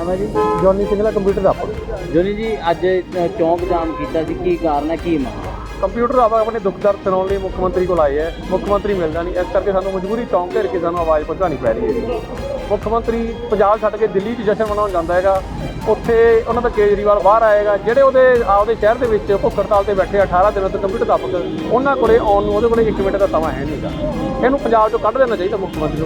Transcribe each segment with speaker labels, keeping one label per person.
Speaker 1: ਨਾਮ ਹੈ ਜੀ?
Speaker 2: ਜੋਨੀ ਸਿੰਗਲਾ ਕੰਪਿਊਟਰ ਅਧਿਆਪਕ।
Speaker 1: ਜੋਨੀ ਜੀ, ਅੱਜ ਚੌਂਕ ਜਾਮ ਕੀਤਾ ਸੀ, ਕੀ ਕਾਰਨ ਹੈ, ਕੀ ਮੰਗ?
Speaker 2: ਕੰਪਿਊਟਰ ਅਧਿਆਪਕ ਆਪਣੇ ਦੁੱਖ ਦਰਦ ਸੁਣਾਉਣ ਲਈ ਮੁੱਖ ਮੰਤਰੀ ਕੋਲ ਆਏ ਹੈ। ਮੁੱਖ ਮੰਤਰੀ ਮਿਲਦਾ ਨਹੀਂ, ਇਸ ਕਰਕੇ ਸਾਨੂੰ ਮਜਬੂਰੀ ਚੌਂਕ ਘੇਰ ਕੇ ਸਾਨੂੰ ਆਵਾਜ਼ ਪਹੁੰਚਾਉਣੀ ਪੈ ਰਹੀ ਹੈ। ਮੁੱਖ ਮੰਤਰੀ ਪੰਜਾਬ ਛੱਡ ਕੇ ਦਿੱਲੀ 'ਚ ਜਸ਼ਨ ਮਨਾਉਣ ਜਾਂਦਾ ਹੈਗਾ, ਉੱਥੇ ਉਹਨਾਂ ਦਾ ਕੇਜਰੀਵਾਲ ਬਾਹਰ ਆਏਗਾ। ਜਿਹੜੇ ਉਹਦੇ ਆਪਦੇ ਸ਼ਹਿਰ ਦੇ ਵਿੱਚ ਭੁੱਖ ਹੜਤਾਲ 'ਤੇ ਬੈਠੇ 18 ਦਿਨਾਂ ਤੋਂ ਕੰਪਿਊਟਰ ਅਧਿਆਪਕ, ਉਹਨਾਂ ਕੋਲੇ ਆਉਣ ਨੂੰ ਉਹਦੇ ਕੋਲੇ 1 ਮਿੰਟ ਦਾ ਸਮਾਂ ਹੈ ਨਹੀਂਗਾ। ਇਹਨੂੰ ਪੰਜਾਬ 'ਚੋਂ ਕੱਢ ਦੇਣਾ ਚਾਹੀਦਾ ਮੁੱਖ ਮੰਤਰੀ ਨੂੰ।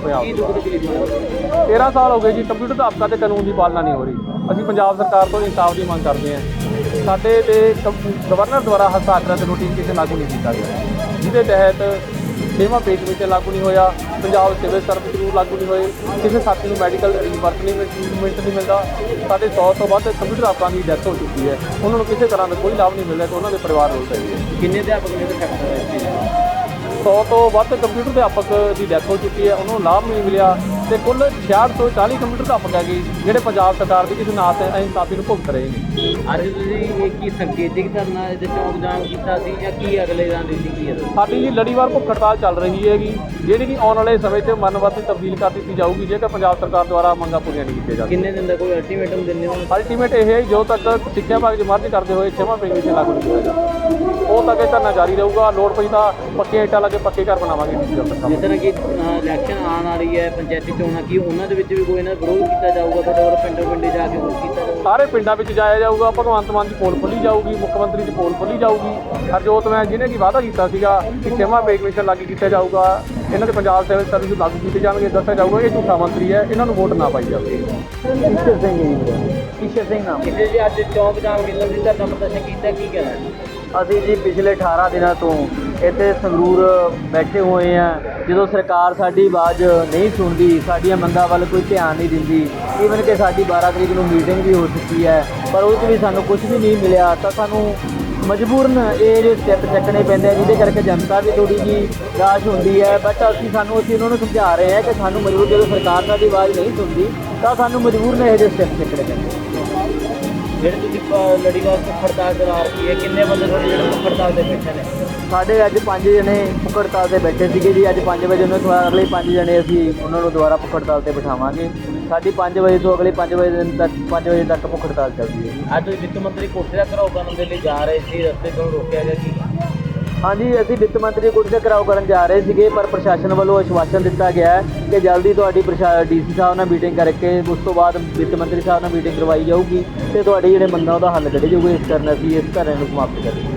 Speaker 2: ਪੰਜਾਬ 13 ਸਾਲ ਹੋ ਗਏ ਜੀ ਕੰਪਿਊਟਰ ਅਧਿਆਪਕਾਂ 'ਤੇ ਕਾਨੂੰਨ ਦੀ ਪਾਲਣਾ ਨਹੀਂ ਹੋ ਰਹੀ। ਅਸੀਂ ਪੰਜਾਬ ਸਰਕਾਰ ਤੋਂ ਇਨਸਾਫ ਦੀ ਮੰਗ ਕਰਦੇ ਹਾਂ। ਸਾਡੇ 'ਤੇ ਗਵਰਨਰ ਦੁਆਰਾ ਹਸਤਾਖਰਾਂ ਤੇ ਨੋਟੀਫਿਕੇਸ਼ਨ ਲਾਗੂ ਨਹੀਂ ਕੀਤਾ ਗਿਆ, ਜਿਹਦੇ ਤਹਿਤ 6ਵਾਂ ਪੇ ਕਮਿਸ਼ਨ ਲਾਗੂ ਨਹੀਂ ਹੋਇਆ, ਪੰਜਾਬ ਸਿਵਲ ਸਰਵਿਸ ਰੂਲ ਲਾਗੂ ਨਹੀਂ ਹੋਏ, ਕਿਸੇ ਸਾਥੀ ਨੂੰ ਮੈਡੀਕਲ ਰੀਇੰਬਰਸਮੈਂਟ ਨਹੀਂ ਮਿਲਦਾ। ਸਾਡੇ 100 ਤੋਂ ਵੱਧ ਕੰਪਿਊਟਰ ਅਧਿਆਪਕਾਂ ਦੀ ਡੈਥ ਹੋ ਚੁੱਕੀ ਹੈ, ਉਹਨਾਂ ਨੂੰ ਕਿਸੇ ਤਰ੍ਹਾਂ ਦਾ ਕੋਈ ਲਾਭ ਨਹੀਂ ਮਿਲਦਾ ਤੇ ਉਹਨਾਂ ਦੇ ਪਰਿਵਾਰ ਰੋਲ ਰਹੇ ਹੈ।
Speaker 1: ਕਿੰਨੇ ਅਧਿਆਪਕ ਨੇ ਸੈਕਟਰ ਇਸ ਚੀਜ਼
Speaker 2: 100 ਤੋਂ ਵੱਧ ਕੰਪਿਊਟਰ ਅਧਿਆਪਕ ਦੀ ਡੈਥ ਹੋ ਚੁੱਕੀ ਹੈ, ਉਹਨਾਂ ਨੂੰ ਲਾਭ ਨਹੀਂ ਮਿਲਿਆ ਤੇ ਕੁੱਲ 66 ਤੋਂ 40 ਕੰਪਿਊਟਰ ਅਧਿਆਪਕ ਹੈਗੇ ਜਿਹੜੇ ਪੰਜਾਬ ਸਰਕਾਰ ਦੀ ਕਿਸੇ ਨਾਤ ਇਨਸਾਫੀ ਨੂੰ ਭੁਗਤ ਰਹੇ ਨੇ।
Speaker 1: ਅੱਜ ਤੁਸੀਂ ਇਹ ਕੀ ਸੰਕੇਤਿਕ ਧਰਨਾ ਇਹਦੇ ਚੌਂਕ ਜਾਮ ਕੀਤਾ ਸੀ ਜਾਂ ਕੀ ਅਗਲੇ ਰਣਨੀਤੀ ਕੀ ਹੈ?
Speaker 2: ਸਾਡੀ ਜੀ ਲੜੀਵਾਰ ਭੁੱਖ ਹੜਤਾਲ ਚੱਲ ਰਹੀ ਹੈਗੀ, ਜਿਹੜੀ ਕਿ ਆਉਣ ਵਾਲੇ ਸਮੇਂ 'ਚ ਮਨਵਰਤੀ ਤਬਦੀਲ ਕਰ ਦਿੱਤੀ ਜਾਊਗੀ ਜੇਕਰ ਪੰਜਾਬ ਸਰਕਾਰ ਦੁਆਰਾ ਮੰਗਾਂ ਪੂਰੀਆਂ ਨਹੀਂ ਕੀਤੀਆਂ ਜਾਂਦੀਆਂ।
Speaker 1: ਕਿੰਨੇ ਦਿਨ ਦਾ ਕੋਈ ਅਲਟੀਮੇਟਮ ਦਿੰਦੇ ਹੋ?
Speaker 2: ਅਲਟੀਮੇਟ ਇਹ ਹੈ ਜੋ ਤੱਕ ਸਿੱਖਿਆ ਵਿਭਾਗ ਦੀ ਮਰਜ਼ੀ ਕਰਦੇ ਹੋਏ 6ਵਾਂ ਪੇ ਕਮਿਸ਼ਨ ਲਾਗੂ ਨਹੀਂ ਕੀਤਾ ਜਾਂਦਾ, ਉਹ ਤੱਕ ਇਹ ਧਰਨਾ ਜਾਰੀ ਰਹੂਗਾ। ਲੋੜ ਪਈ ਤਾਂ ਪੱਕੇ ਇੱਟਾਂ ਲਾ ਕੇ ਪੱਕੇ ਘਰ ਬਣਾਵਾਂਗੇ।
Speaker 1: ਜਿਸ ਤਰ੍ਹਾਂ ਕਿ ਇਲੈਕਸ਼ਨ ਆਉਣ ਵਾਲੀ ਹੈ, ਪੰਚਾਇਤੀ ਚੋਣਾਂ, ਕੀ ਉਹਨਾਂ ਦੇ ਵਿੱਚ ਵੀ ਕੋਈ ਨਾ ਵਿਰੋਧ ਕੀਤਾ ਜਾਊਗਾ? ਤੁਹਾਡੇ ਵੱਲੋਂ ਪਿੰਡੋਂ ਪਿੰਡੇ ਜਾ ਕੇ ਵਿਰੋਧ ਕੀਤਾ ਜਾਊਗਾ?
Speaker 2: ਸਾਰੇ ਪਿੰਡਾਂ ਵਿੱਚ ਜਾਇਆ ਜਾਊਗਾ। ਭਗਵੰਤ ਮਾਨ ਦੀ ਪੋਲ ਖੋਲ੍ਹੀ ਜਾਊਗੀ, ਮੁੱਖ ਮੰਤਰੀ ਦੀ ਪੋਲ ਖੋਲ੍ਹੀ ਜਾਊਗੀ। ਹਰਜੋਤ ਮੈਂ ਜਿਹਨੇ ਕਿ ਵਾਅਦਾ ਕੀਤਾ ਸੀਗਾ ਕਿ 6ਵਾਂ ਪੇ ਕਮਿਸ਼ਨ ਲਾਗੂ ਕੀਤਾ ਜਾਊਗਾ, ਇਹਨਾਂ ਦੇ ਪੰਜਾਬ ਸਿਵਲ ਸਰਵਿਸ ਲਾਗੂ ਕੀਤੇ ਜਾਣਗੇ, ਦੱਸਿਆ ਜਾਊਗਾ ਇਹ ਝੂਠਾ ਮੰਤਰੀ ਹੈ, ਇਹਨਾਂ ਨੂੰ ਵੋਟ ਨਾ ਪਾਈ ਜਾਵੇ। ਈਸ਼ਰ ਸਿੰਘ ਨਾਮ।
Speaker 1: ਕਿਤੇ ਜੀ ਅੱਜ ਚੌਂਕ ਜਾਮ ਕੀਤਾ ਸੀ, ਧਰਨਾ ਪ੍ਰਦਰਸ਼ਨ ਕੀਤਾ, ਕੀ ਕਹਿਣਾ?
Speaker 3: ਅਸੀਂ ਜੀ ਪਿਛਲੇ 18 ਦਿਨਾਂ ਤੋਂ ਇੱਥੇ ਸੰਗਰੂਰ ਬੈਠੇ ਹੋਏ ਹਾਂ। ਜਦੋਂ ਸਰਕਾਰ ਸਾਡੀ ਆਵਾਜ਼ ਨਹੀਂ ਸੁਣਦੀ, ਸਾਡੀਆਂ ਮੰਗਾਂ ਵੱਲ ਕੋਈ ਧਿਆਨ ਨਹੀਂ ਦਿੰਦੀ, ਈਵਨ ਕਿ ਸਾਡੀ 12 ਤਰੀਕ ਨੂੰ ਮੀਟਿੰਗ ਵੀ ਹੋ ਚੁੱਕੀ ਹੈ, ਪਰ ਉਹ 'ਚ ਵੀ ਸਾਨੂੰ ਕੁਝ ਵੀ ਨਹੀਂ ਮਿਲਿਆ, ਤਾਂ ਸਾਨੂੰ ਮਜਬੂਰਨ ਇਹ ਜਿਹੜੇ ਸਟੈਪ ਚੱਕਣੇ ਪੈਂਦੇ ਆ, ਜਿਹਦੇ ਕਰਕੇ ਜਨਤਾ ਵੀ ਥੋੜ੍ਹੀ ਜਿਹੀ ਨਿਰਾਸ਼ ਹੁੰਦੀ ਹੈ। ਬਟ ਅਸੀਂ ਉਹਨਾਂ ਨੂੰ ਸਮਝਾ ਰਹੇ ਹਾਂ ਕਿ ਸਾਨੂੰ ਮਜਬੂਰ, ਜਦੋਂ ਸਰਕਾਰ ਸਾਡੀ ਆਵਾਜ਼ ਨਹੀਂ ਸੁਣਦੀ ਤਾਂ ਸਾਨੂੰ ਮਜਬੂਰਨ ਇਹੋ ਜਿਹੇ ਸਟੈਪ ਚੱਕਣੇ ਪੈਂਦੇ।
Speaker 1: ਜਿਹੜੇ ਤੁਸੀਂ ਲੜੀਵਾਰ ਭੁੱਖ ਹੜਤਾਲ ਚਲਾ ਰਹੀ ਹੈ, ਕਿੰਨੇ ਬੰਦੇ ਤੁਹਾਡੇ ਜਿਹੜੇ ਭੁੱਖ ਹੜਤਾਲ ਦੇ ਬੈਠੇ ਨੇ?
Speaker 3: ਸਾਡੇ ਅੱਜ 5 ਜਣੇ ਭੁੱਖ ਹੜਤਾਲ 'ਤੇ ਬੈਠੇ ਸੀਗੇ ਜੀ। ਅੱਜ 5 ਵਜੇ ਉਹਨਾਂ ਤੋਂ ਅਗਲੇ 5 ਜਣੇ ਅਸੀਂ ਉਹਨਾਂ ਨੂੰ ਦੁਬਾਰਾ ਭੁੱਖ ਹੜਤਾਲ 'ਤੇ ਬਿਠਾਵਾਂਗੇ। ਸਾਡੀ 5 ਵਜੇ ਤੋਂ ਅਗਲੇ 5 ਵਜੇ ਤੱਕ ਭੁੱਖ ਹੜਤਾਲ ਚੱਲਦੀ ਹੈ।
Speaker 1: ਅੱਜ ਵਿੱਤ ਮੰਤਰੀ ਕੋਠੇ ਦਾ ਘਿਰਾਓ ਕਰਨ ਦੇ ਲਈ ਜਾ ਰਹੇ ਸੀ, ਰਸਤੇ ਤੋਂ ਰੋਕਿਆ ਗਿਆ ਸੀ?
Speaker 3: ਹਾਂਜੀ, ਅਸੀਂ ਵਿੱਤ ਮੰਤਰੀ ਕੋਠੇ ਦਾ ਘਿਰਾਓ ਕਰਨ ਜਾ ਰਹੇ ਸੀਗੇ, ਪਰ ਪ੍ਰਸ਼ਾਸਨ ਵੱਲੋਂ ਆਸ਼ਵਾਸਨ ਦਿੱਤਾ ਗਿਆ ਹੈ ਕਿ ਜਲਦੀ ਤੁਹਾਡੀ ਡੀਸੀ ਸਾਹਿਬ ਨਾਲ ਮੀਟਿੰਗ ਕਰਕੇ ਉਸ ਤੋਂ ਬਾਅਦ ਵਿੱਤ ਮੰਤਰੀ ਸਾਹਿਬ ਨਾਲ ਮੀਟਿੰਗ ਕਰਵਾਈ ਜਾਊਗੀ ਅਤੇ ਤੁਹਾਡੇ ਜਿਹੜੇ ਮੰਗਾਂ ਉਹਦਾ ਹੱਲ ਕੱਢੀ ਜਾਊਗਾ। ਇਸ ਕਾਰਨ ਅਸੀਂ ਇਸ ਧਰਨੇ ਨੂੰ ਸਮਾਪਤ ਕਰਾਂਗੇ।